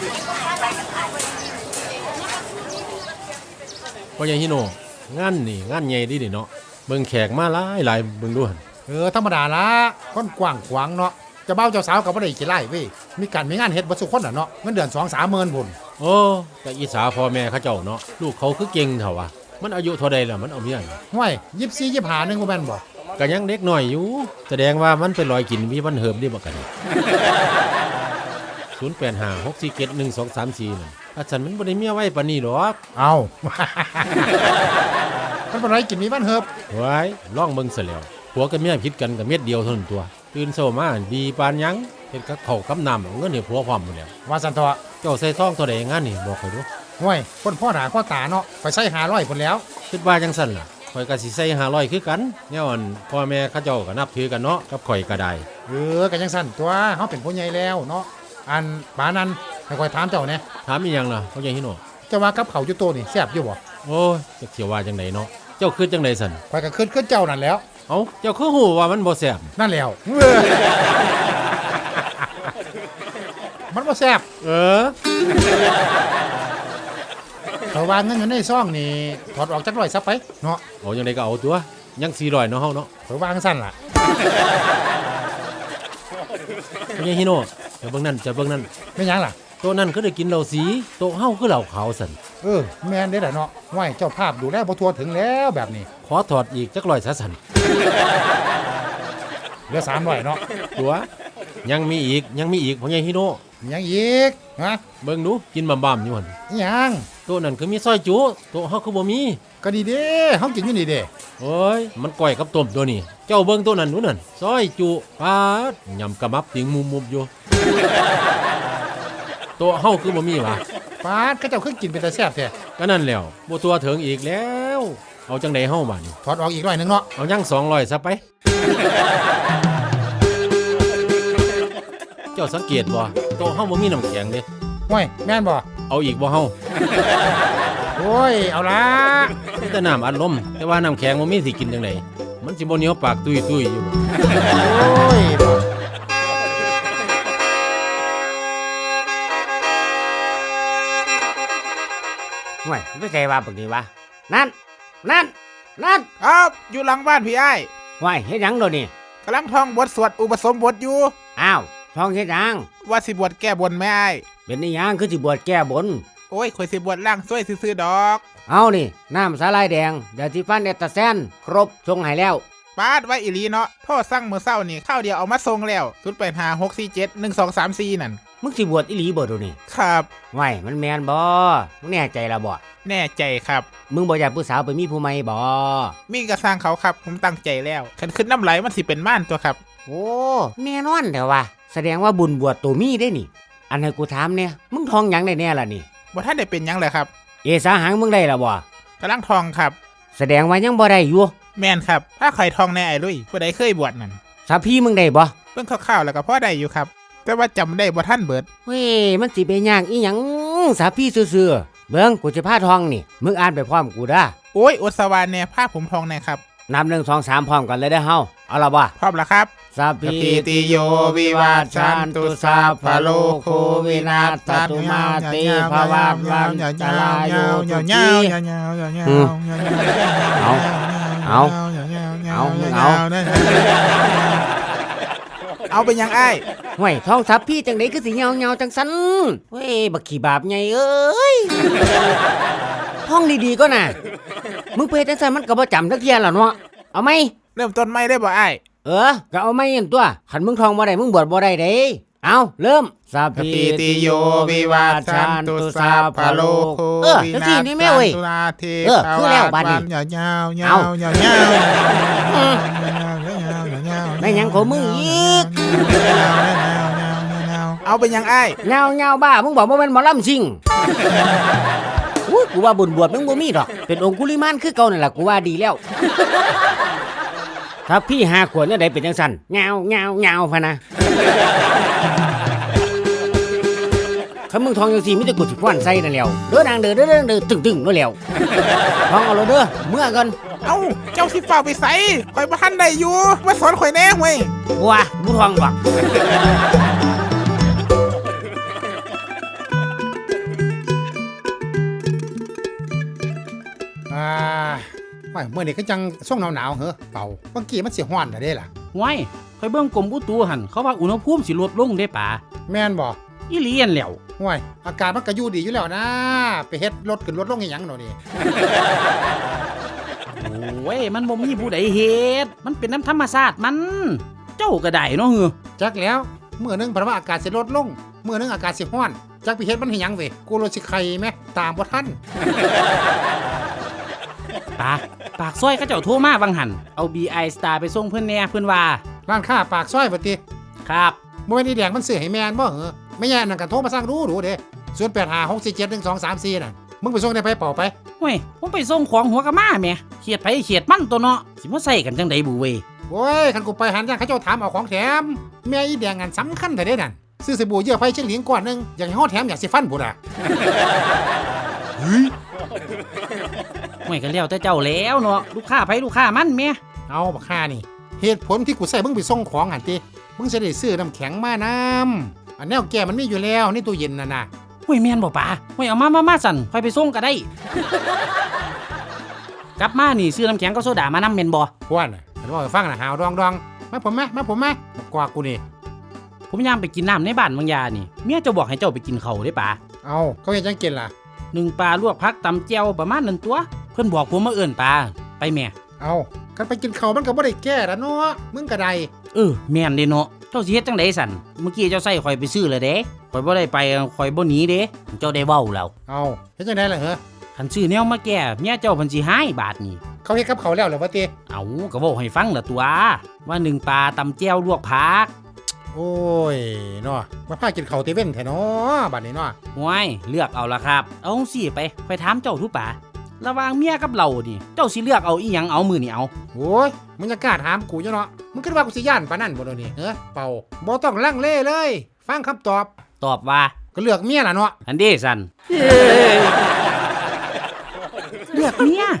พ่อใหญ่ฮิโนงานนี่งานใหญ่ดีเนาะเบิ่งแขกมาหลายเบิ่งดูหั่นธรรมดาละคนกว้างขวางเนาะจะเบ้าเจ้าสาวกับบ่ได้กี่ไร่เว้ยมีการมีงานเฮ็ดบ่สุคนน่ะเนาะเงินเดือน 2-3 หมื่นพุ่นโอ้แต่อิจฉาพ่อแม่เขาเจ้าเนาะลูกเขาคือเก่งเท่าวะมันอายุเท่าใดล่ะมันเอาเมียห้วย24 25นึงบ่แม่นบ่ก็ยังเด็กน้อยอยู่แสดงว่ามันเป็นรอยกินมีวันเหิมดีบ่กัน0856471234นั่นถ้าฉันมันบ่ได้เมียไว้ปานนี้ดอกเอ้ามันบ่ได้กินมีวันเฮิบไว้ลองเบิ่งซะแล้วผัวกับเมียผิดกันก็เม็ดเดียวเท่านั้นตัวตื่นเช้ามาดีปานหยังเฮ็ดกับข้าวกับน้ำเอาเงินให้ผัวพร้อมหมดแล้วว่าซั่นเถาะเจ้าใส่ซองเท่าใดงานนี่บอกข้อยดูห้วยคนพ่อหน้าพ่อตาเนาะข่อยใส่500พุ่นแล้วคิดว่าจังซั่นล่ะข่อยก็สิใส่500คือกันแนวอันพ่อแม่เขาเจ้าก็นับถือกันเนาะกับข่อยก็ได้ก็จังซั่นตัวเฮาเป็นผู้ใหญ่แล้วเนาะอันปานั้นให้ข่อยถามเจ้าแหน่ถามอีหยังล่ะพ่อใหญ่ฮิโนเจ้าว่ากับข้าวอยู่โตนี่แซ่บอยู่บ่โอ้ยจักสิว่าจังไดเนาะเจ้าคิดจังไดซั่นข่อยก็คิดเจ้านั่นแล้วเอ้าเจ้าคือฮู้ว่ามันบ่แซ่บนั่นแล้วมันบ่แซ่บเขาว่าเงินอยู่ในซองนี่ถอดออกจัก100ซะไปเนาะเอาจังไดก็เอาตัวยัง400เนาะเฮาเนาะเขาว่าจังซั่นล่ะพ่อใหญ่ฮิโนจะเบิ่งนั่นแม่นหยังล่ะโต๊ะนั้นคือได้กินเหล้าสีโต๊ะเฮาคือเหล้าขาวซั่นแม่นเด้อล่ะเนาะห้วยเจ้าภาพดูแลบ่ทั่วถึงแล้วแบบนี้ขอถอดอีกจัก100ซะซั่นเหลือ300เนาะตัวยังมีอีกพ่อใหญ่ฮิโนยังอีกฮะเบิ่งดูกินบ่ำๆอยู่หั่นยังโต๊ะนั้นคือมีซอยจุโต๊ะเฮาคือบ่มีก็ดีเด้เฮากินอยู่นี่เด้โอ้ยมันก้อยกับต้มตัวนี้เจ้าเบิ่งโต๊ะนั้นนู่นนั่นซอยจุปาดยำกะมับติงมุมๆอยู่โต๊ะเฮาคือบ่มีวะปาดเขาเจ้าคือกินเป็นตาแซ่บแท้ก็นั่นแล้วบ่ตัวถึงอีกแล้วเอาจังได๋เฮาบัดนี้ถอดออกอีก100นึงเนาะเอายัง200ซะไปเจ้าสังเกตบ่โต๊ะเฮาบ่มีน้ำแข็งเด้ห้วยแม่นบ่เอาอีกบ่เฮาโอ้ยเอาล่ะมีแต่น้ำอัดลมแต่ว่าน้ำแข็งบ่มีสิกินจังได๋มันสิบ่เหนียวปากตุ้ยๆอยู่โอ้ยห่วยไม่ใช่ว่าปกติวะนั่นครับอยู่หลังบ้านพี่ไอ้ห่วยเฮ็ดหยังโดนี่กำลังท่องบทสวดอุปสมบทอยู่อ้าวท่องเฮ็ดหยังว่าสิบวชแก้บนแม่ไอ้เป็นอีหยังคือสิบวชแก้บนโอ้ยข่อยสิบวชล่างซ้วยซื่อๆดอกเอานี่น้ำสาลายแดงยาสีฟันเอตาแซนครบส่งให้แล้วปาดไว้อีหลีเนาะโทษสั่งมื้อเช้านี่ข้าวเดียวเอามาส่งแล้ว0856471234นั่นมึงสิบวชอีหลีบ่ดูนี่ครับห่วยมันแม่นบ่มึงแน่ใจละบ่แน่ใจครับมึงบ่อยากผู้สาวไปมีผู้ใหม่บ่มีกระสร้างเขาครับผมตั้งใจแล้วคันขึ้นน้ำไหลมันสิเป็นม่านตัวครับโอ้แน่นอนเด้อว่ะแสดงว่าบุญบวชตัวมีได้นี่อันให้กูถามเนี่ยมึงทองหยังได้แน่ล่ะนี่บ่ทันได้เป็นหยังเลยครับเอสาหังมึงได้ล่ะบ่กำลังทองครับแสดงว่ายังบ่ได้อยู่แม่นครับถ้าใครทองแน่ไอ้ลุยผู้ใดเคยบวชนั่นสาพี่มึงได้บ่เบิ่งคร่าวๆแล้วก็พอได้อยู่ครับแต่ว่าจำได้บ่ทันเบิดเว้ยมันสิเป็นยากอีหยังสาพี่ซื่อๆเบิ่งกูจะพาทองนี่มึงอ่านไปพร้อมกูเด้อโอ้ยอดสวรรค์แน่พาผมทองแน่ครับนับ1 2 3พร้อมกันเลยเด้อเฮาเอาล่ะบ่พร้อมแล้วครับสัพพิติโยวิวัชชันตุสัพพะโลกโควินาศตุมาเตภวัตวันตรายโยตุจีเอาเป็นยังไอ้ห่วยท้องสับพี่จังได๋คือสิเหี่ยวๆจังซั่นเว้ยบักขี้บาปใหญ่เอ้ยท้องดีๆก็น่ะมึงไปจังซั่นมันก็บ่จำทักเที่ยล่ะเนาะเอาไหมเริ่มต้นใหม่ได้บ่ไอ้ก็เอาไหมนั่นตัวคันมึงท้องบ่ได้มึงบวชบ่ได้เด้เอาเริ่มสัพพิติโยวิวัชชันตุสัพพะโลกโควินาศตุนาเทคือแล้วบัดนี้ยาวไม่ยังของมึงอีกเอาเป็นยังไอ้เงาบ้ามึงบอกว่าเป็นหมอลำซิงกูว่าบุญบวชมึงบ่มีดอกเป็นองคุลิมานคือเก่านั่นแหละกูว่าดีแล้วถ้าพี่5 ขวดเนี่ยได้เป็นจังซั่นเงาพะนะคันมึงทองจังซี่มีแต่กูสิฟ้อนใส่นั่นแล้วเด้อนางเด้อตึงๆนั่นแล้วทองเอาเด้อเมื่อก่อนเอ้าเจ้าสิฟ้าไปใส่ข่อยบ่ทันได้อยู่มาสอนข่อยแน่เว้ยบัวบ่ทองบักว้ายเมื่อนี้ก็จังช่วงหนาวๆเหรอเป่าเมื่อกี้มันสิฮ้อนน่ะเด้ล่ะห้วยข่อยเบิ่งกรมอุตุหั่นเขาว่าอุณหภูมิสิลดลงเด้ป่า แม่นแม่นบ่อีหลีอันแหล้วห้วยอากาศมันก็อยู่ดีอยู่แล้วนะไปเฮ็ดรถขึ้นรถลงอีหยังเนาะนี่โอ้ยมันบ่มีผู้ใดเฮ็ดมันเป็นน้ำธรรมชาติมัน เจ้าก็ได้เนาะเฮือจักแล้วมื้อหนึงเพราะว่าอากาศสิลดลงมื้อหนึงอากาศสิฮ้อนจักไปเฮ็ดมันให้หยังเว้ยกูรถสิไข่แม่ตามบ่ทันปากซอยเขาเจ้าโทรมาวังหันเอา BI Star ไปส่งเพิ่นแหน่เพิ่นว่าร้านค้าปากซอยบ่ติครับบ่แม่นอีแดงมันซื้อให้แม่นบ่เหรอไม่แย่นั่นก็โทรมาสั่งดูเด้0856471234นั่นมึงไปส่งได้ไปเป่าไปห้วยผมไปส่งของหัวกะมาแหม่เขียดไผเขียดมันตัวเนาะสิมาใส่กันจังไดบุเวยโอ้ยคันกูไปหันย่างเขาเจ้าถามเอาของแถมแม่อีแดงอันสำคัญแต่เด้นั่นซื้อสบู่เยื่อไผ่เชียงหลิงก่อนนึงอยากให้ฮอดแถมอยากสิฟันบุน่ะห้วยก็แล้วแต่เจ้าแล้วเนาะลูกค้าไผลูกค้ามันแหม่เอาบักห่านี่เหตุผลที่กูใส่มึงไปส่งของหันติมึงจะได้ซื้อน้ำแข็งมานำอันแนวแก้มันมีอยู่แล้วในตู้เย็นน่ะห้วยแม่นบ่ป่าห้วยเอามาสั่นค่อยไปส่งก็ได้ กลับมานี่ซื้อน้ำแข็งกับโซดามานำแม่นบ่พวกน่ะอันว่าให้ฟังน่ะหาวดองมาผมมาบอกกว่ากูนี่ผมยามไปกินน้ำในบ้านบางยานี่เมียเจ้าบอกให้เจ้าไปกินข้าวเด้ป่าเอาเขาเฮ็ดจังกินล่ะ 1ปลาลวกผักตำแจ่วประมาณนั้นตัว เพิ่นบอกผมมาเอิ้นปลาไปแม่เอากันไปกินข้าวมันก็บ่ได้แก้ละเนาะมึงก็ได้แม่นเด้เนาะเจ้าสิเฮ็ดจังไดสั่นเมื่อกี้เจ้าใส่ข่อยไปซื้อแล้วเด้ข่อยบ่ได้ไปข่อยบ่หนีเด้เจ้าได้เว้าแล้วเอาเฮ็ดจังได๋ล่ะเหรอคันซื้อแนวมาแก้เมียเจ้าเพิ่นสิหายบาทนี่เขาเฮ็ดกับเขาวแล้วเหรอวะติเอาก็เว้าให้ฟังละตัวว่า1ปลาตำแจ่วลวกผักโอ้ยเนาะมาพากินข้าวเตเว่นแท้เนาะบัดนี้เนาะห้วยเลือกเอาละครับ เอาจังซี่ไปค่อยถามเจ้าทุป่าระหว่างเมียกับเรานี่เจ้าสิเลือกเอาอีหยังเอามื้อนี่เอาโอ้ยมึงจะกล้าถามกูอยู่เนาะมึงคิดว่ากูสิย่านปานนั้นบ่เดี๋ยวนี้เป่าบ่ต้องลังเลเลย ฟังคำตอบตอบว่าก็เลือกเมียล่ะเนาะอันเด้สั่นเลือกเมีย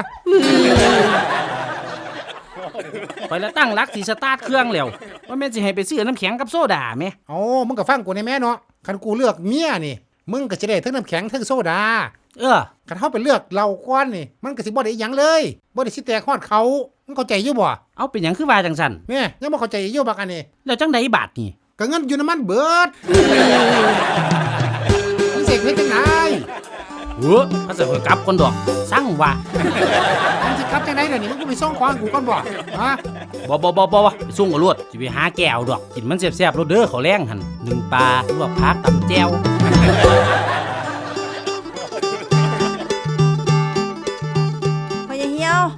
ไปแล้วตั้งรักสิสตาร์ทเครื่องแล้วว่าแม่นสิให้ไปซื้อน้ำแข็งกับโซดาแม่เอามึงก็ฟังกูในแม่เนาะคันกูเลือกเมียนี่มึงก็จะได้ทั้งน้ำแข็งทั้งโซดา คันเฮาไปเลือกเหล้าก้อนนี่มันก็สิบ่ได้หยังเลยบ่ได้สิแตกฮอดเขามึงเข้าใจอยู่บ่เอาเป็นหยังคือว่าจังสั่นแม่ยังบ่เข้าใจอยู่บักอันนี้แล้วจังไดบาทนี่ก็เงินอยู่น้ำมันเบิดมึงเสกเฮ็ดจังไดเขาจะกลับคนดอกสั่งว่ามึงสิกลับจังไดเดี๋ยวนี้มึงก็ไปส่งของกูก่อนบ่ฮะบ่ไปส่งกับรวดสิไปหาแก้วดอกกินมันแซ่บๆรสเด้อเขาวแรงหั่น1ปลาลวกผักตำแจ่วพ่อใหญ่เหี่ยว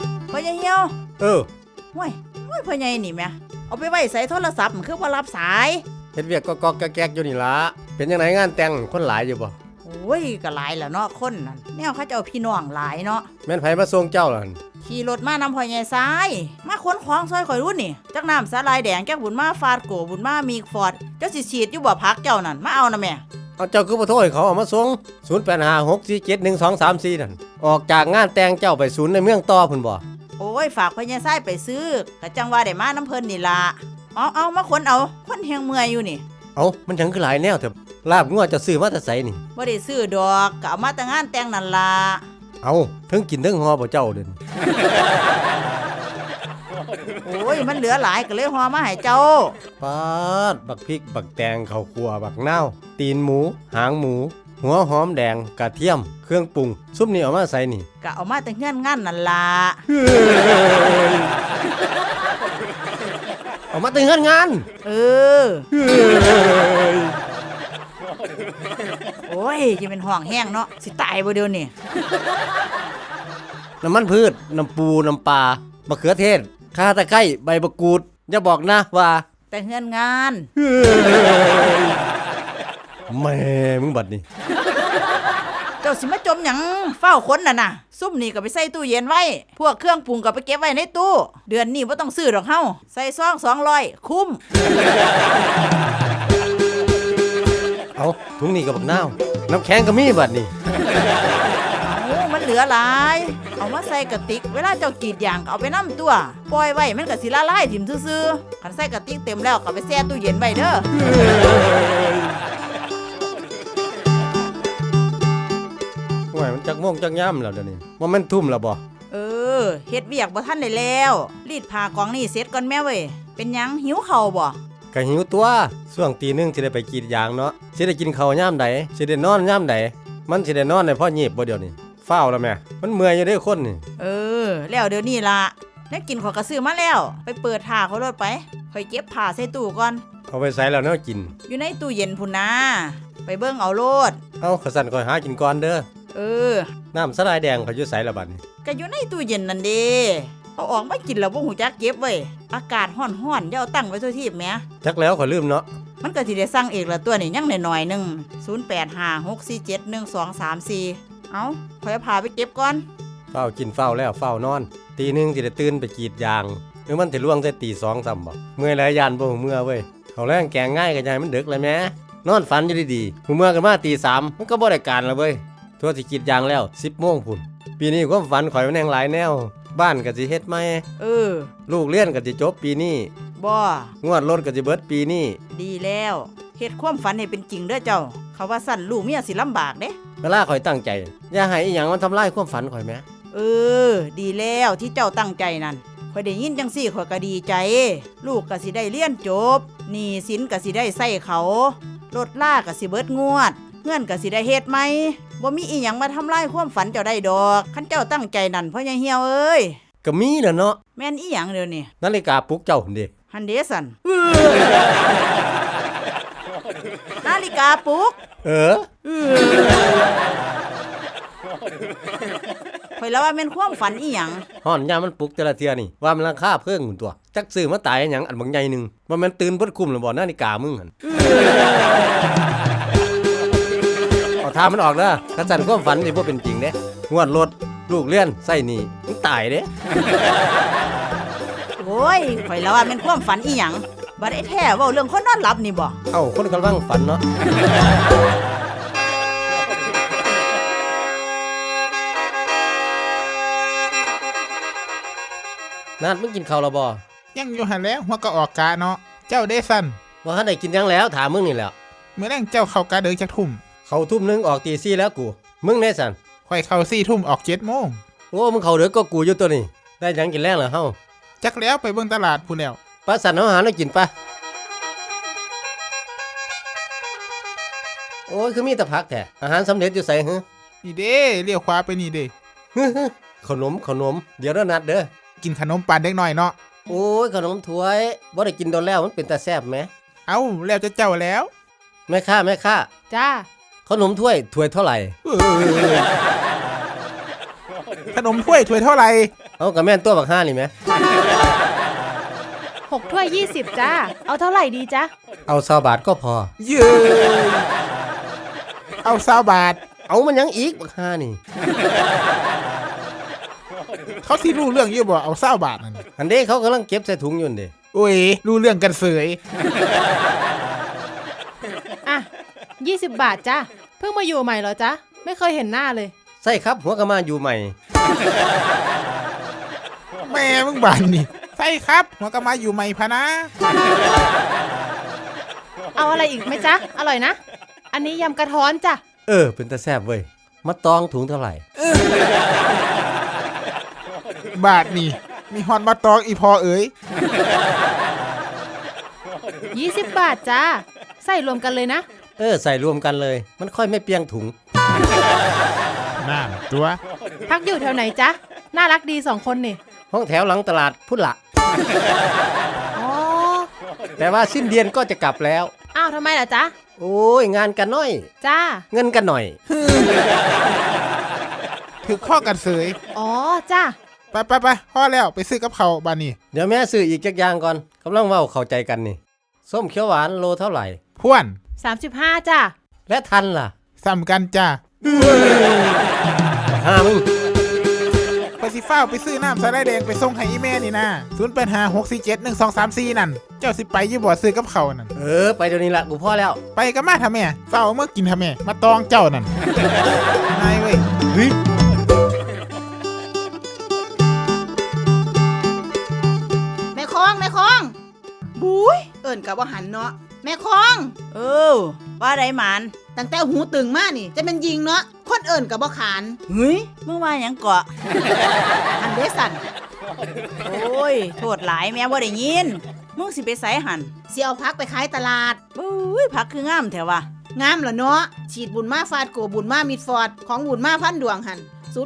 ห้วยพ่อใหญ่นี่แม่เอาไปไว้ใส่โทรศัพท์มันคือบ่รับสายเฮ็ดเวียกก็แก๊กๆอยู่นี่ล่ะเป็นจังไดงานแต่งคนหลายอยู่บ่โอ้ยก็หลายแล้วเนาะคนนั่นแนวเขาเจ้าพี่น้องหลายเนาะแม่นไผมาส่งเจ้าล่ะหั่นขี่รถมานำพ่อใหญ่ซ้ายมาขนของซอยข่อยรุ่นนี่จักน้ำสาลายแดงจักบุญมาฟาดโกบุญมามีฟอดเจ้าสิฉีดอยู่บ่พักเจ้านั่นมาเอานะแม่เอาเจ้าคือบ่โทรให้เขาเอามาส่ง0856471234นั่นออกจากงานแต่งเจ้าไปศูนย์ในเมืองต่อพุ่นบ่โอ้ยฝากพ่อใหญ่ซ้ายไปซื้อก็จังว่าได้มาน้ำเพิ่นนี่ล่ะเอามาขนเอาคนเฮงเมื่อยอยู่นี่เอามันจังคือหลายแนวเถอะลาบงัวเจะซื้อมาแต่ไสนี่บ่ได้ซื้อดอกก็เอามาแต่งานแต่งนั่นล่ะเอาถึงกินถึงฮอบ่เจ้าเด่นโอ้ยมันเหลือหลายก็เลยห่อมาให้เจ้าปาดบักพริกบักแตงข้าวคั่วบักนาวตีนหมูหางหมู หัวหอมแดงกระเทียมเครื่องปรุงซุปนี่เอามาใส่นี่ก็เอามาแต่เงื่อนงานนั่นล่ะเอามาแต่งงานเออ โอ้ยจะเป็นห่วงแห้งเนาะสิตายบ่เดี๋ยวนี้น้ำมันพืชน้ำปูน้ำปลามะเขือเทศข่าตะไคร้ใบมะกรูดอย่าบอกนะว่าแต่เงื่อนงานแม่มึงบัดนี่เจ้าสิมาจมหยังเฝ้าคนน่ะซุ่มนี่ก็ไปใส่ตู้เย็นไว้ พวกเครื่องปรุงก็ไปเก็บไว้ในตู้ เดือนนี้บ่ต้องซื้อดอกเฮาใส่ซอง200คุ้มเอาถุงนี้กับบักนาวน้ำแข็งก็มีบัดนี่มันเหลือหลาย เอามาใส่กระติกเวลาเจ้ากรีดยางก็เอาไปนำตัวปล่อยไว้มันก็สิละลายถิ่มซื่อๆคันใส่กระติกเต็มแล้วก็ไปแช่ตู้เย็นไว้เด้อโอ้ยมันจักม่วงจักย่ำแล้วเดี๋ยวนี้ว่ามันทุ่มแล้วบ่เออเฮ็ดเวียกบ่ทันได้แล้วรีดผ้ากองนี่เสร็จก่อนแม่เว้ยเป็นหยังหิวข้าวบ่ก็หิวตัวช่วงตีหนึงสิได้ไปกรีดยางเนาะสิได้กินข้าวยามใดสิได้นอนยามใดมันสิได้นอนได้พอหยีบบ่เดี๋ยวนี้ฟ้าวแล้วแม่มันเมื่อยอยู่เด้คนนี่แล้วเดี๋ยวนี้ล่ะแล้วกินขอยก็ซื้อมาแล้วไปเปิดผ้าเขาโลดไปข่อยเก็บผ้าใส่ตู้ก่อนเอาไปใส่แล้วเนาะกินอยู่ในตู้เย็นพุ่นนะไปเบิ่งเอาโลดเอาขสั่นก่อยหากินก่อนเด้อ น้ำสลายแดงเขาอยู่ใส่ละบัดนี้ก็อยู่ในตู้เย็นนั่นเด้เอาออกมากินแล้วบ่หูจักเก็บไว้อากาศร้อนๆอย่าเอาตั้งไว้ทั่วทีบแหมจักแล้วขอยลืมเนาะมันก็สิได้สั่งเองละตัวนี่ยังน้อยๆหนึง0856471234เอาข่อยเอาผ้าไปเก็บก่อนเฝ้ากินเฝ้าแล้วเฝ้านอนตีหนึงสิได้ตื่นไปกรีดยางหรือมันสิล่วงใส่ตี2ซ้ำบ่เมื่อยหลายยานบ่หูเมื่อเว้ยเขาแรงแกงง่ายก็ยายมันดึกเลยแหม่นอนฝันอยู่ดีๆหูเมื่อกันมาตี3มันก็บ่ได้การแล้วเว้ยทั่วสิกรีดยางแล้ว 10 โมงพุ่นปีนี้ความฝันข่อยมันแหงหลายแนวบ้านก็สิเฮ็ดใหม่ลูกเรียนก็สิจบปีนี้บ่งวดรถก็สิเบิดปีนี้ดีแล้วเฮ็ดความฝันให้เป็นจริงเด้อเจ้าเขาว่าสั่นลูกเมียสิลำบากเด้เวลาข่อยตั้งใจอย่าให้อีหยังมันทำลายความฝันข่อยแหมดีแล้วที่เจ้าตั้งใจนั่นข่อยได้ยินจังซี่ข่อยก็ดีใจ ลูกก็สิได้เรียนจบหนี้สินก็สิได้ใช้เขารถล่าก็สิเบิดงวดเงื่อนก็สิได้เฮ็ดใหม่บ่มีอีหยังมาทำลายความฝันเจ้าได้ดอกคันเจ้าตั้งใจนั่นพ่อใหญ่เหี่ยวเอ้ยก็มีน่ะเนาะแม่นอีหยังเดี๋ยวนี้นาฬิกาปลุกเจ้าหั่นเด้หันเดสันนาฬิกาปลุก ข่อยแล้วว่าแม่นความฝันอีหยังฮ้อนยามมันปลุกแต่ละเทื่อนี่ว่ามันราคาเพิ่งหุ่นตัวจักซื้อมาตายหยังอันบางใหญ่หนึงว่ามันตื่นเบิดคุมแล้วบ่นาฬิกามึงหั่นเอาทามันออกเด้อถ้าสั่นความฝันสิบ่เป็นจริงเด้งวดรถลูกเรียนใส่หนี้มึงตายเด้โอ้ยข่อยแล้วว่าแม่นความฝันอีหยังบัดไอ้แท้เว้าเรื่องคนนอนหลับนี่บ่เอ้าคนกำลังฝันเนาะนัดมึงกินข้าวแล้วบ่ยังอยู่หันแล้วหัวก็ออกกะเนาะเจ้าเดซันบ่ทันได้กินหยังแล้วถามมึงนี่แหละเมื่อแรงเจ้าเข้ากะเดินจักทุ่มเข้าทุ่มนึงออกตี4แล้วกูมึงแน่สันค่อยเข้า4 ทุ่มออก7 โมงโอ้มึงเข้าเด้อก็กูอยู่ตัวนี้ได้หยังกินแรงเหรอเฮาจักแล้วไปเบิ่งตลาดพู้นแล้วปลาสันเอาอาหารให้กินปะโอ้ยคือมีแต่ผักแท้อาหารสำเร็จอยู่ไสหึนี่เด้เลี้ยวขวาไปนี่เด้ขนมเดี๋ยวเด้อนัดเด้อกินขนมปังเด็กน้อยเนาะโอ้ยขนมถ้วยบ่ได้กินโดนแล้วมันเป็นตาแซ่บแหมเอ้าแล้วจะเจ้าแล้วแม่ค้าจ้าขนมถ้วยเท่าไหร่ขนมถ้วยเท่าไหร่เอากับแม่นตัวบักห่านี่แหม 6 ถ้วย 20 จ้า เอาเท่าไหร่ดีจ๊ะเอา20 บาทก็พอเย้เอา20 บาทเอามันหยังอีกบักห่านี่เขาสิรู้เรื่องอยู่บ่เอา20 บาทนั่นอันเด้เขากำลังเก็บใส่ถุงอยู่นั่นเด้โอ้ยรู้เรื่องกันเสยอ่ะ 20 บาทจ้า เพิ่งมาอยู่ใหม่เหรอจ๊ะ ไม่เคยเห็นหน้าเลยใส่ครับหัวกะมาอยู่ใหม่แม่มึงบานนี่ใช่ครับหัวก็มาอยู่ใหม่พะนะเอาอะไรอีกไหมจ๊ะ อร่อยนะ อันนี้ยำกระท้อนจ้ะเป็นตาแซ่บเว้ยมาตองถุงเท่าไหร่บาทนี่มีฮอนมาตองอีพอเอ๋ย 20 บาทจ้า ใส่รวมกันเลยนะใส่รวมกันเลย มันค่อยไม่เปียงถุงน่าตัวพักอยู่แถวไหนจ๊ะ น่ารักดี2 คนนี่ห้องแถวหลังตลาดพุทธละอ๋อแต่ว่าสิ้นเดือนก็จะกลับแล้วอ้าวทำไมล่ะจ๊ะโอ้ยงานกันน้อยจ้าเงินกันหน่อยถือข้อกันเสยอ๋อ จ้าไปพ่อแล้วไปซื้อกับเขาวบานนี่เดี๋ยวแม่ซื้ออีกจักอย่างก่อนกำลังเว้าเข้าใจกันนี่ ส้มเขียวหวานโลเท่าไหร่พ่วน 35จ้าและทันล่ะซ้ำกันจ้าหามึงไปสิฟ้าวไปซื้อน้ำสาลายแดงไปส่งให้อีแม่นี่นะ0856471234นั่นเจ้าสิไปยี่บ่ซื้อกับเขาวนั่นไปเดี๋ยวนี้ละกูพ่อแล้วไปกันมาทำแม่เฝ้าเมื่อกินทำแม่มาตองเจ้านั่นนายเว้ยเฮ้ยแม่คองบุ้ยเอิ่นกับว่าหันเนาะแม่คองว่าได้หมานตั้งแต่หูตึงมานี่จะเป็นยิงเนาะคคนเอิ้นก็บ่ขานเฮ้ยมึงว่าหยังเกาะอันเดสั่นโอ้ยโทษหลายแม่บ่ได้ยินมึงสิไปไสหั่นสิเอาพักไปขายตลาดปุ้ยผักคืองามแท้ว่ะงามละเนาะฉีดบุญมาฟาดโกบุญมามิดฟอร์ดของบุญมาพันดวงหัน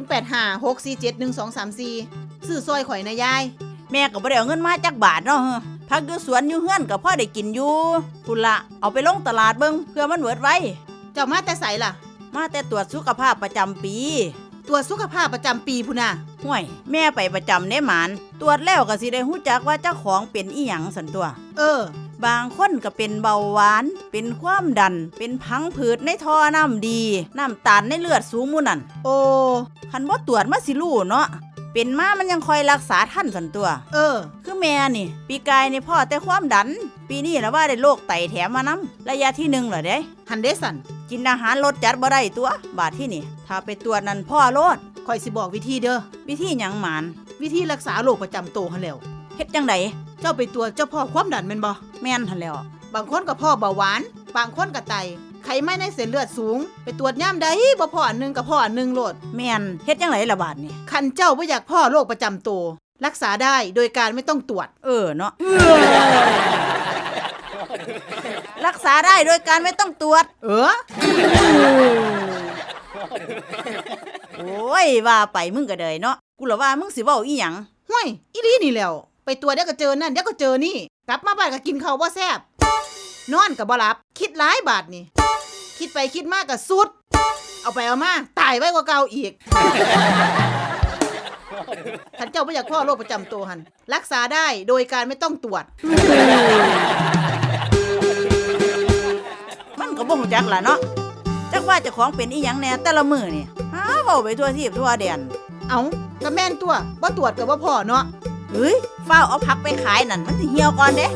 0856471234ซื้อซอยข่อยนะยายแม่ก็บ่ได้เอาเงินมาจักบาทเนาะผักอยู่สวนอยู่เฮือนก็พอได้กินอยู่พุ่นละเอาไปลงตลาดเบิ่งเพื่อมันเบิดไว้เจ้ามาแต่ไสล่ะมาแต่ตรวจสุขภาพประจำปีตรวจสุขภาพประจำปีพุ่นน่ะห่วยแม่ไปประจำเด้หมานตรวจแล้วก็สิได้ฮู้จักว่าเจ้าของเป็นอีหยังสันตัว บางคนก็เป็นเบาหวาน เป็นความดัน เป็นพังผืดในท่อน้ำดี น้ำตาลในเลือดสูงหมู่นั่นโอ้คันบ่ตรวจมาสิรู้เนาะ เป็นมามันยังคอยรักษาท่านสันตัว คือแม่นี่ ปีกายนี่พ่อแต่ความดัน ปีนี้ละว่าได้โรคไตแถมมานำระยะที่1เหรอเด้หันเดสันกินอาหารรสจัดบ่ได้ตัว บาดที่นี่ ถ้าไปตรวจนั่นพ่อโลดข่อยสิบอกวิธีเด้อวิธีหยังหมานวิธีรักษาโรคประจำตัวหันแหล้วเฮ็ดจังไดเจ้าไปตรวจเจ้าพ่อความดันแม่นบ่แม่นหั่นแล้วบางคนก็พ่อเบาหวาน บางคนก็ไต ไขมันในเส้นเลือดสูง ไปตรวจย่ำใดบ่พ่ออันหนึงก็พ่ออันหนึงโลดแม่นเฮ็ดจังไดล่ะบาดนี่คันเจ้าบ่อยากพ่อโรคประจำตัวรักษาได้โดยการไม่ต้องตรวจเนาะ รักษาได้โดยการไม่ต้องตรวจ โอ้ยว่าไปมึงก็เดยเนาะ กูละว่ามึงสิเว้าอีหยังห้วยอีหลีนี่แหล้วไปตรวจเดี๋ยวก็เจอนั่นเดี๋ยวก็เจอนี่ กลับมาบ้านก็กินข้าวบ่แซ่บนอนก็บ่หลับ คิดหลายบาทนี่ คิดไปคิดมาก็สุด เอาไปเอามาตายไว้กว่าเก่าอีก ท่านเจ้าบ่อยากพ่อโรคประจำตัวหันรักษาได้โดยการไม่ต้องตรวจมันก็บ่ฮู้จักล่ะเนาะ จักว่าเจ้าของเป็นอีหยังแน่แต่ละมื้อนี่หาเว้าไปทั่วทีบทั่วแดนเอาก็แม่นตัวบ่ตรวจก็บ่พ่อเนาะเฮ้ยฟ้าวเอาผักไปขายนั่นมันสิเหี่ยวก่อนเด้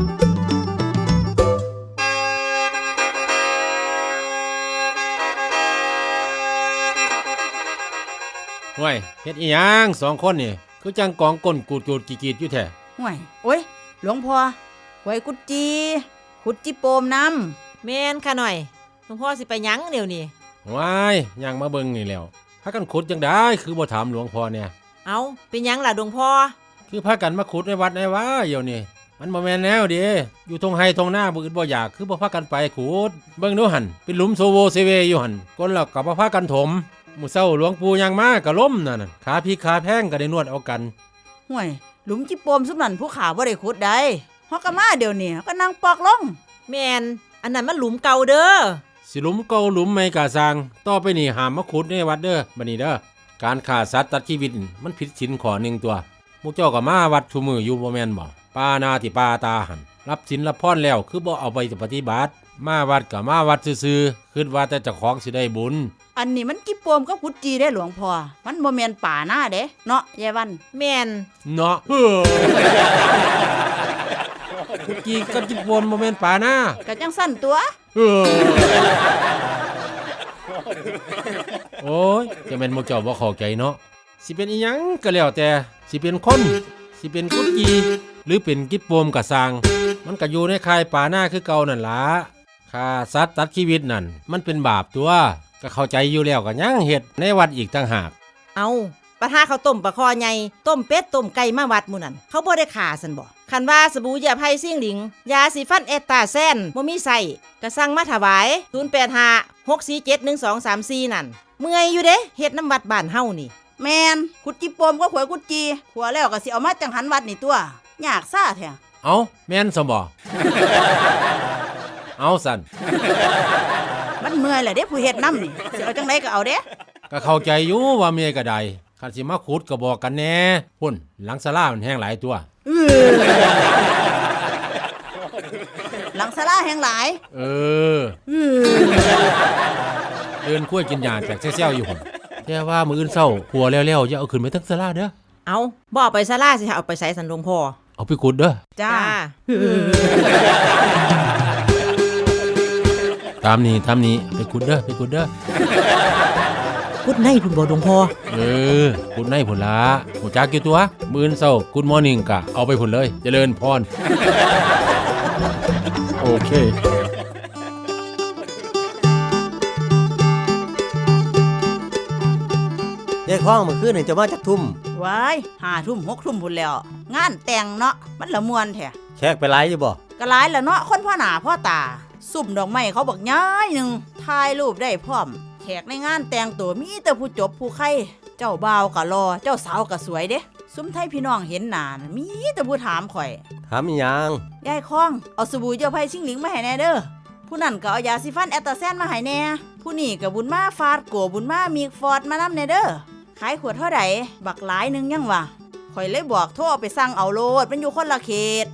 ห่วยเฮ็ดอีหยัง2คนนี่คือจังกองก้นกูดๆกีดๆอยู่แท้ห่วยโอ้ยหลวงพ่อหวยกุดจีขุดจิโปมน้ำแม่นค่ะหน่อยหลวงพ่อสิไปหยังเดี๋ยวนี้ว้ายย่างมาเบิ่งนี่แล้วพากันขุดจังได้คือบ่ถามหลวงพ่อเนี่ยเอาเป็นหยังล่ะหลวงพ่อคือพากันมาขุดในวัดในว่าเดี๋ยวนี้มันบ่แม่นแนวเด้อยู่ทงไห้ทงหน้าบ่อึดบ่อยากคือบ่พากันไปขุดเบิ่งดูหั่นเป็นหลุมโซโวเซเวอยู่หั่นคนแล้วก็บ่พากันถมมื้อเช้าหลวงปู่ย่างมาก็ล้มนั่นน่ะขาพี่ขาแพงก็ได้นวดเอากันห่วยหลุมจิโปมซุมนั่นผู้ขาบ่ได้ขุดได้ฮอกก็มาเดี๋ยวนี้ก็นั่งปอกลงแม่นอันนั้นมันหลุมเก่าเด้อสิหลุมเก่าหลุมใหม่กะสร้างต่อไปนี่ห้ามมาขุดในวัดเด้อบัดนี้เด้อการฆ่าสัตว์ตัดชีวิตมันผิดศีลข้อหนึ่งตัวหมู่เจ้าก็มาวัดซุมื้ออยู่บ่แม่นบ่ปานาติปาตาหันรับศีลรับพรแล้วคือบ่เอาไปปฏิบัติมาวัดก็มาวัดซื่อๆคิดว่าแต่เจ้าของสิได้บุญอันนี้มันจิโปมกับขุดจีได้หลวงพ่อมันบ่แม่นป่าหน้าเด้เนาะยายวันแม่นเนาะกี่กับจิบวนบ่แม่นป่านะก็จังสั้นตัวโอ้ยจะแม่นหมู่เจ้าบ่เข้าใจเนาะสิเป็นอีหยังก็แล้วแต่สิเป็นคนสิเป็นกุดกีหรือเป็นกิจโปมก็สร้างมันก็อยู่ในค่ายป่าหน้าคือเก่านั่นล่ะฆ่าสัตว์ตัดชีวิตนั่นมันเป็นบาปตัวก็เข้าใจอยู่แล้วก็ยังเฮ็ดในวัดอีกต่างหากเอาปะทาข้าวต้มปลาคอใหญ่ต้มเป็ดต้มไก่มาวัดหมู่นั่นเขาบ่ได้ฆ่าซั่นบ่คันว่าสบู่ยาไผ่ซิ่งหลิงยาสีฟันเอตตาแซนบ่มีใส่ก็สั่งมาถวาย0856471234นั่นเมื่อยอยู่เด้เฮ็ดน้ำวัดบ้านเฮานี่แม่นขุดจิโปมก็ขวยกุดจีขัวแล้วก็สิเอามาจังหันวัดนี่ตัวยากซ่าแท้เอาแม่นซะบ่ เอาสั่นมันเมื่อยแหละเด้ผู้เฮ็ดน้ำนี่สิเอาจังไดก็เอาเด้ก็เข้าใจอยู่ว่าเมียก็ได้คันสิมาขุดก็บอกกันแหน่พุ่นหลังศาลามันแห้งหลายตัวหลังศาลาแห่งหลายเดินคุ้ยกินยาแจกแซ่ๆอยู่พุ่นแต่ว่ามื้ออื่นเช้าหัวแล้วๆอย่าเอาขึ้นไปทั้งศาลาเด้อเอาบ่เอาไปศาลาสิเอาไปใส่สันหลวงพ่อเอาไปขุดเด้อจ้าตามนี้ไปขุดเด้อกุดในพุ่นบ่หลวงพ่อขุดในพุ่นละหูจักอยู่ตัวมื้ออื่นเช้ากุดมอร์นิ่งกะเอาไปพุ่นเลยเจริญพร โอเคยายคล้องเมื่อคืนนี่จะมาจักทุ่มว้าย5 ทุ่ม6 ทุ่มพุ่นแล้ว งานแต่งเนาะมันละมวนแท้แขกไปหลายอยู่บ่ก็หลายละเนาะคนพ่อหน้าพ่อตาซุ่มดอกไม้เขาบักย้ายหนึงถ่ายรูปได้พร้อมแขกในงานแต่งตัวมีแต่ผู้จบผู้ไข่เจ้าบ่าวก็รอเจ้าสาวก็สวยเด้ซุ่มไทยพี่น้องเห็นหน้าน่ะมีแต่ผู้ถามข่อยถามอีหยังยายคล้องเอาสบู่เจ้าไผ่ชิงหลิงมาให้แน่เด้อผู้นั่นก็เอายาสีฟันแอตตาแซนมาให้แน่ผู้นี่ก็บุญมาฟาดโกบุญมามีฟอร์ดมานำแน่เด้อขายขวดเท่าใดบักหลายหนึงยังวะข่อยเลยบอกโทรเอาไปสั่งเอาโลดมันอยู่คนละเขต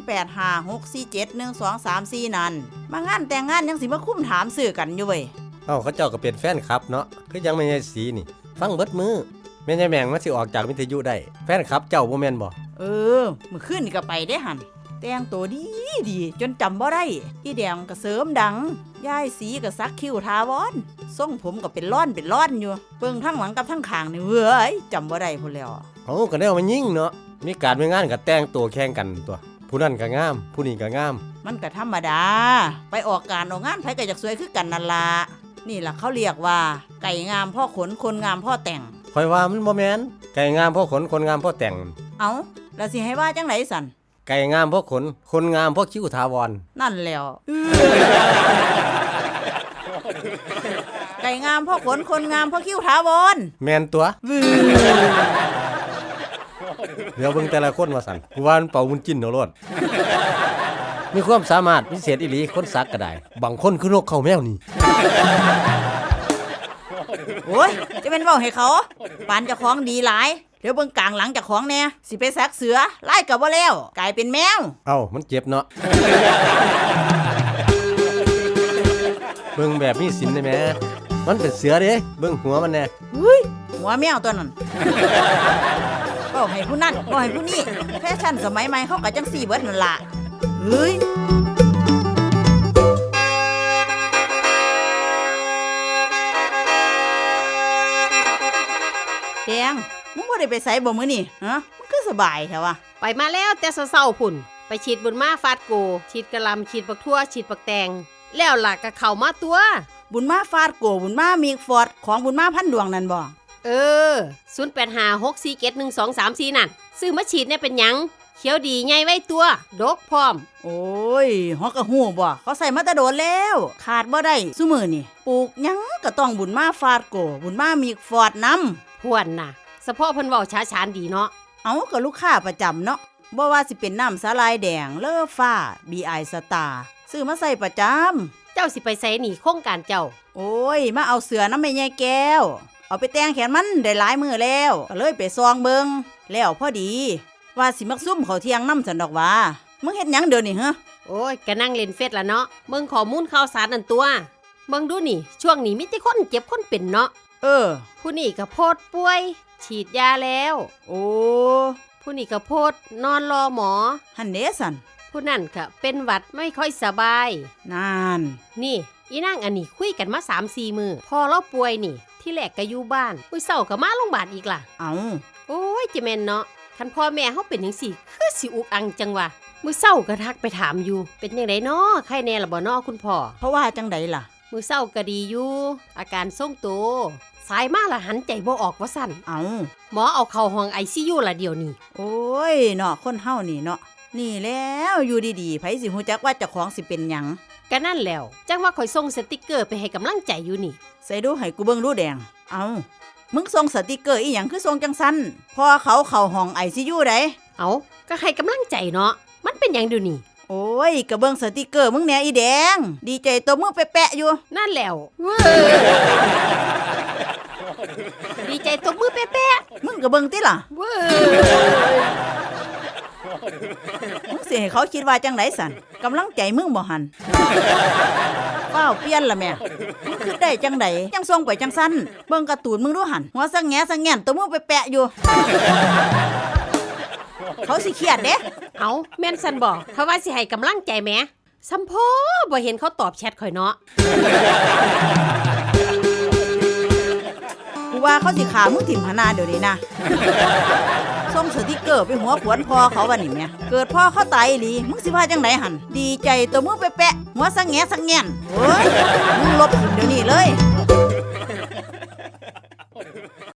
0856471234นั่นมางานแต่งงานยังสิมาคุ้มถามสื่อกันอยู่เว้ยเอ้าเขาเจ้าก็เป็นแฟนคลับเนาะคือยังไม่ใช่สีนี่ ฟังเบิดมือแม่นยายแมงมันสิออกจากวิทยุได้แฟนคลับเจ้าบ่แม่นบ่มื้อคืนนี่ก็ไปได้หันแต่งตัวดีจนจำบ่ได้อีแดงก็เสริมดังยายสีก็ซักคิ้วทาวอนทรงผมก็เป็นร่อนอยู่เบิ่งทั้งหลังกับทั้งข้างนี่เว้ยจำบ่ได้พุ่นแล้วเอ้าก็แนวมันยิ่งเนาะมีการมีงานก็แต่งตัวแข่งกันตัวผู้นั้นก็งามผู้นี้ก็งามมันก็ธรรมดาไปออกการออกงานไผก็อยากสวยคือกันนั่นล่ะนี่ล่ะเขาเรียกว่าไก่งามพ่อขนคนงามพ่อแต่งข่อยว่ามันบ่แม่นไก่งามเพราะขนคนงามเพราะแต่งเอาแล้วสิให้ว่าจังไหนสันไก่งามเพราะขนคนงามเพราะคิ้วถาวรนั่นแล้ว ไก่งามพ่อขนคนงามพ่อคิ้วถาวรแม่นตัวเดี๋ยวเบิ่งแต่ละคนว่าสั่นกูว่ามันเป่ามุนจิ้นเอาโลดมีความสามารถพิเศษอีหลีคนสักก็ได้บางคนคือนกเขาแมวนี่โอ้ยจะเป็นเว้าให้เขาปานเจ้าของดีหลายเดี๋ยวเบิ่งกลางหลังเจ้าของแน่สิไปซักเสือไล่ก็บ่แล้วกลายเป็นแมวเอ้ามันเจ็บเนาะ เบิ่งแบบมีศีลได้แหมมันเป็นเสือเด้เบิ่งหัวมันแน่หัวแมวตัวนั้นก็ให้ผู้นั่นก็ให้ผู้นี่แฟชั่นสมัยใหม่เขาก็จังซี่เบิดนั่นล่ะเฮ้ยแดงมึงบ่ได้ไปไสบ่มื้อนี่ฮะมึงคือสบายแท้วะไปมาแล้วแต่เศร้าๆพุ่นไปฉีดบุญมาฟาดโกฉีดกะหลำฉีดปักทั่วฉีดปักแตงแล้วหลักกะเข้ามาตัวบุญมาฟาดโกบุญมามีฟอร์ดของบุญมาพันดวงนั่นบ่ 0856471234นั่นซื้อมาฉีดเนี่ยเป็นหยังเขียวดีใหญ่ไว้ตัวดกพร้อมโอ้ยฮอกกะฮู้บ่เขาใส่มาแต่โดนแล้วขาดบ่ได้ซุมื้อนี่ปลูกหยังก็ต้องบุญมาฟาดโกบุญมามีฟอร์ดนำพวนน่ะเฉพาะเพิ่นเว้าช้าชานดีเนาะเอาก็ลูกค้าประจำเนาะบ่ว่าสิเป็นน้ำสาลายแดงเลอฟ้า BI สตาร์ซื้อมาใส่ประจำเจ้าสิไปไสหนีโครงการเจ้าโอ้ยมาเอาเสือน้ำแม่ยายแก้วเอาไปแต่งแขนมันได้หลายมื้อแล้วก็เลยไปซองเบิงแล้วพอดีว่าสิมักซุ่มเขาเที่ยงน้ำสันดอกว่ามึงเฮ็ดหยังเดี๋ยวนี้ฮะโอ้ยก็นั่งเล่นเฟซละเนาะมึงข้อมูลข่าวสารนั่นตัวมึงดูนี่ช่วงนี้มีแต่คนเจ็บคนเป็นเนาะ ผู้นี่ก็โพดป่วยฉีดยาแล้วโอ้ผู้นี่ก็โพดนอนรอหมอหันเดสันผู้นั่นก็เป็นหวัดไม่ค่อยสบายนานนี่อีนางอันนี้คุยกันมา 3-4 มื้อพอเราป่วยนี่ที่แรกก็อยู่บ้านมื้อเช้าก็มาโรงพยาบาลอีกล่ะเอาโอ้ยจะแม่นเนาะคันพ่อแม่เฮาเป็นจังซี่คือสิอุกอังจังวะมื้อเช้าก็ทักไปถามอยู่เป็นจังได๋เนาะไข้แน่ล่ะบ่เนาะคุณพ่อเพราะว่าจังไดล่ะมื้อเช้าก็ดีอยู่อาการทรงตัวสายมาละหันใจบ่ออกว่าสั่นเอาหมอเอาเข้าห้อง ICU ละเดี๋ยวนี้โอ้ยเนาะคนเฮานี่เนาะนี่แล้วอยู่ดีๆไผสิฮู้จักว่าเจ้าของสิเป็นหยังก็นั่นแล้วจังว่าข่อยส่งสติกเกอร์ไปให้กำลังใจอยู่นี่ใส่ดูให้กูเบิ่งดูแดงเอามึงส่งสติกเกอร์อีหยังคือส่งจังซั่นพอเขาเข้าห้อง ICU ได้เอาก็ให้กำลังใจเนาะมันเป็นหยังเดี๋ยวนี้โอ้ยก็เบิ่งสติกเกอร์มึงแหน่อีแดงดีใจตัวมึงแปะๆอยู่นั่นแล้วดีใจตบมือแป๊ะๆมึงก็เบิ่งติล่ะมึงสิให้เขาคิดว่าจังไดสันกำลังใจมึงบ่หันเป้าเปลี่ยนละแม่มึงคิดได้จังไดจังส่งไปจังซั่นเบิ่งการ์ตูนมึงดูหันหัวสังแงสังแงนตัวมึงแปะๆอยู่เขาสิเครียดเด้เอาแม่นซั่นบ่เขาว่าสิให้กำลังใจแหมซัมโพบ่เห็นเขาตอบแชทข่อยเนาะกูว่าเขาสิขามึงถิ่มหนาเดี๋ยวนี้นะส่งสติกเกอร์ไปหัวขวนพ่อเขาวันนี้แม่เกิดพ่อเขาตายอีหลีมึงสิว่าจังไหนหันดีใจตัวมึงแปะๆหัวสังแงสังแงนโอ้ยมึงลบถิ่มเดี๋ยวนี้เลย